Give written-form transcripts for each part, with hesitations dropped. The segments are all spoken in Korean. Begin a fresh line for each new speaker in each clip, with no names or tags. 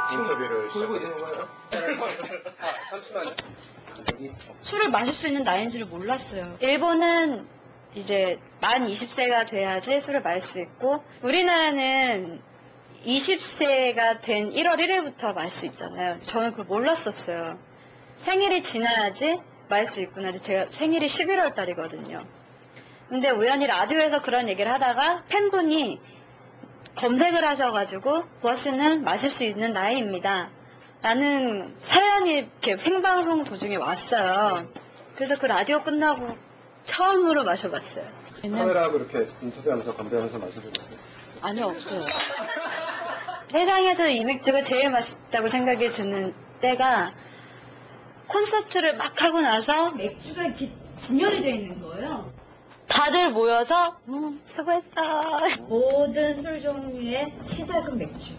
인터뷰를
돌고 있는 건가요? 잠시만요.
술을 마실 수 있는 나이인지를 몰랐어요. 일본은 이제 만 20세가 돼야지 술을 마실 수 있고, 우리나라는 20세가 된 1월 1일부터 마실 수 있잖아요. 저는 그걸 몰랐었어요. 생일이 지나야지 마실 수 있구나. 근데 제가 생일이 11월 달이거든요. 근데 우연히 라디오에서 그런 얘기를 하다가 팬분이 검색을 하셔가지고 보아씨는 마실 수 있는 나이입니다 라는 사연이 이렇게 생방송 도중에 왔어요. 그래서 그 라디오 끝나고 처음으로 마셔봤어요.
카메라하고 이렇게 인터뷰하면서 건배하면서 마신 적 있어요?
아니요, 없어요. 세상에서 이 맥주가 제일 맛있다고 생각이 드는 때가 콘서트를 막 하고 나서 맥주가 이렇게 진열이 돼 있는 거예요. 다들 모여서 수고했어. 모든 술 종류의 시작은 맥주.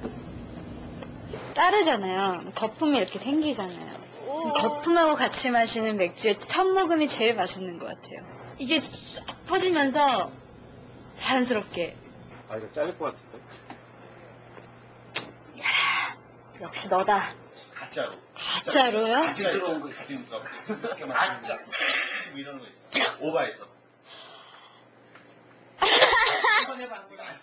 따르잖아요. 거품이 이렇게 생기잖아요. 거품하고 같이 마시는 맥주의 첫 모금이 제일 맛있는 것 같아요. 이게 싹 퍼지면서 자연스럽게.
아, 이거 잘릴 것 같은데?
역시 너다.
가짜로.
가짜로요?
같이 들어온 거 같이 들어온 거. 가짜. 이러는 거 있어. 오바해서. 한번 해봐.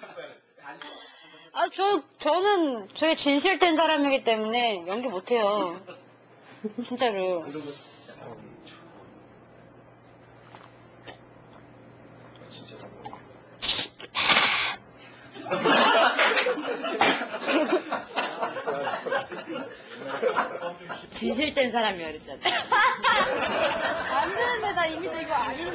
저는 되게 진실된 사람이기 때문에 연기 못해요. 진짜로.
이런 거 진짜.
진실된 사람이야 그랬잖아요. 안 되는데 나 이미 이거 아닌데.